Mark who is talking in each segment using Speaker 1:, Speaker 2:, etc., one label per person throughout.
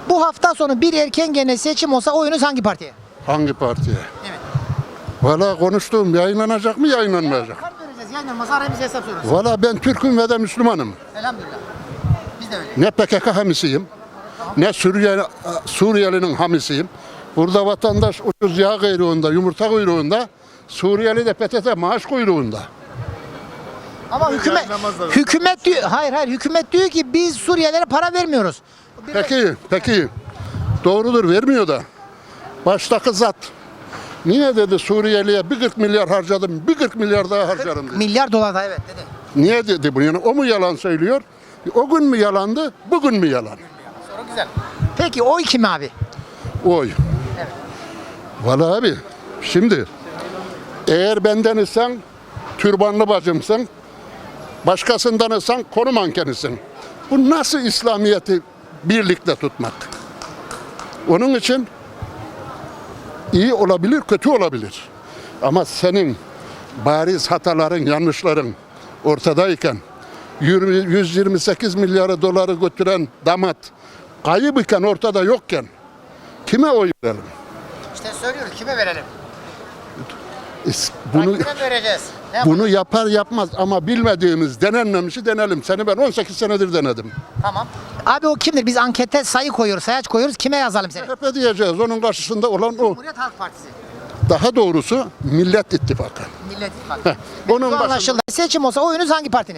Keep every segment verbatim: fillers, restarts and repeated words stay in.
Speaker 1: Bu hafta sonu bir erken gene seçim olsa oyunuz hangi partiye?
Speaker 2: Hangi partiye?
Speaker 1: Evet.
Speaker 2: Valla konuştuğum yayınlanacak mı yayınlanmayacak?
Speaker 1: Kart vereceğiz. Yayınlanmazsa aramızda hesap sorarız.
Speaker 2: Valla ben Türk'üm ve de Müslümanım.
Speaker 1: Elhamdülillah. Biz de öyle.
Speaker 2: Ne P K K hamisiyim, ne Suriye, Suriyelinin hamisiyim. Burada vatandaş ucuz yağ kuyruğunda, yumurta kuyruğunda, Suriyeli de P T T maaş kuyruğunda.
Speaker 1: Ama hükümet hükümet diyor, hayır hayır hükümet diyor ki biz Suriyelilere para vermiyoruz.
Speaker 2: Peki, peki. Doğrudur, vermiyor da. Baştaki zat. Niye dedi Suriyeli'ye bir kırk milyar harcadım, bir kırk milyar daha harcarım dedi.
Speaker 1: Milyar dolar da evet dedi.
Speaker 2: Niye dedi bunu? Yani o mu yalan söylüyor? O gün mü yalandı, bugün mü yalan?
Speaker 1: Soru güzel. Peki oy kime abi?
Speaker 2: Oy.
Speaker 1: Evet.
Speaker 2: Vallahi abi, şimdi eğer benden isen türbanlı bacımsın, başkasından isen konu mankenisin. Bu nasıl İslamiyet'i birlikte tutmak? Onun için iyi olabilir, kötü olabilir. Ama senin bariz hataların, yanlışların ortadayken yüz yirmi sekiz milyar doları götüren damat kayıp iken ortada yokken kime oy verelim?
Speaker 1: İşte söylüyoruz kime verelim?
Speaker 2: Bunu
Speaker 1: Kime vereceğiz? Ne
Speaker 2: bunu yapar yapmaz ama bilmediğimiz, denenmemişi denelim. Seni ben on sekiz senedir denedim.
Speaker 1: Tamam. Abi o kimdir? Biz ankette sayı koyuyoruz, sayaç koyuyoruz. Kime yazalım seni?
Speaker 2: C H P diyeceğiz. Onun karşısında olan o.
Speaker 1: Cumhuriyet Halk Partisi.
Speaker 2: Daha doğrusu Millet İttifakı.
Speaker 1: Millet İttifakı.
Speaker 2: Heh, onun
Speaker 1: Bu
Speaker 2: başında-
Speaker 1: anlaşıldı. Seçim olsa oyunuz hangi partinin?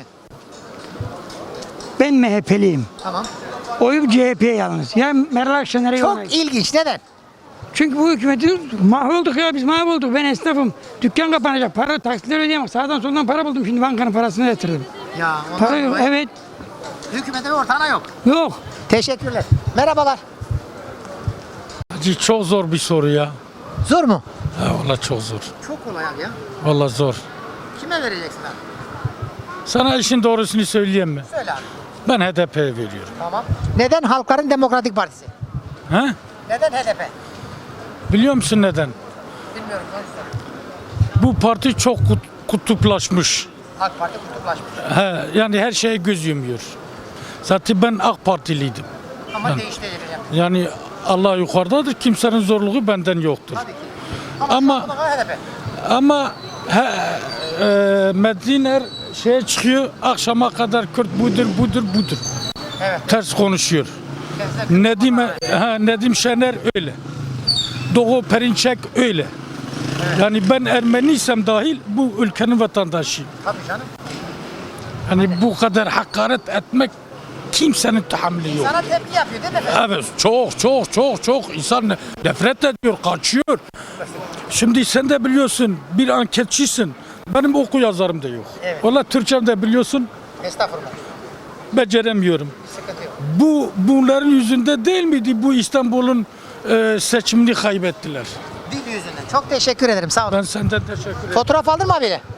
Speaker 3: Ben M H P'liyim.
Speaker 1: Tamam.
Speaker 3: Oyum C H P'ye yalnız. Ya Meral Akşener'e
Speaker 1: Çok
Speaker 3: yollayın.
Speaker 1: ilginç. Neden?
Speaker 3: Çünkü bu hükümeti mahvolduk ya biz mahvolduk. Ben esnafım. Dükkan kapanacak. Para taksitler ödeyemem. Sağdan soldan para buldum. Şimdi bankanın parasını yatırdım.
Speaker 1: Ya
Speaker 3: Para yok. Evet.
Speaker 1: Hükümete bir ortağına yok.
Speaker 3: Yok.
Speaker 1: Teşekkürler. Merhabalar.
Speaker 4: Hacı çok zor bir soru ya.
Speaker 1: Zor mu?
Speaker 4: Ha, vallahi çok zor.
Speaker 1: Çok kolay abi ya.
Speaker 4: Vallahi zor.
Speaker 1: Kime vereceksin abi?
Speaker 4: Sana işin doğrusunu söyleyeyim mi?
Speaker 1: Söyle abi.
Speaker 4: Ben H D P'ye veriyorum.
Speaker 1: Tamam. Neden Halkların Demokratik Partisi?
Speaker 4: Ha?
Speaker 1: Neden H D P?
Speaker 4: Biliyor musun neden?
Speaker 1: Bilmiyorum.
Speaker 4: Bu parti çok kut- kutuplaşmış.
Speaker 1: AK Parti kutuplaşmış.
Speaker 4: He, yani her şeye göz yumuyor. Zaten ben AK Partiliydim.
Speaker 1: Ama
Speaker 4: Yani-
Speaker 1: değiştireceğim.
Speaker 4: Yani Allah yukarıdadır. Kimsenin zorluğu benden yoktur.
Speaker 1: Tabii ki. Ama,
Speaker 4: Ama-
Speaker 1: şu anda H D P.
Speaker 4: Ama he, e, Mediner şeye çıkıyor. Akşama kadar Kürt budur budur budur.
Speaker 1: Evet.
Speaker 4: Ters konuşuyor.
Speaker 1: Benzer-
Speaker 4: Nedim, ha, Nedim Şener öyle. Doğu Perinçek öyle. Yani ben Ermeniysem dahil bu ülkenin vatandaşıyım.
Speaker 1: Tabii canım.
Speaker 4: Hani bu kadar hakaret etmek kimsenin tahammülü yok.
Speaker 1: Sana tepki yapıyor değil mi efendim?
Speaker 4: Evet çok çok çok çok insan ne- nefret ediyor, kaçıyor. Şimdi sen de biliyorsun bir anketçisin. Benim oku yazarım da yok.
Speaker 1: Evet.
Speaker 4: Valla Türkçem de biliyorsun
Speaker 1: Estağfurullah.
Speaker 4: beceremiyorum.
Speaker 1: Sıkıntı yok.
Speaker 4: Bu bunların yüzünde değil miydi bu İstanbul'un e, seçimini kaybettiler?
Speaker 1: Dil yüzünden. Çok teşekkür ederim. Sağ olun.
Speaker 4: Ben senden teşekkür ederim.
Speaker 1: Fotoğraf aldın mı abiyle?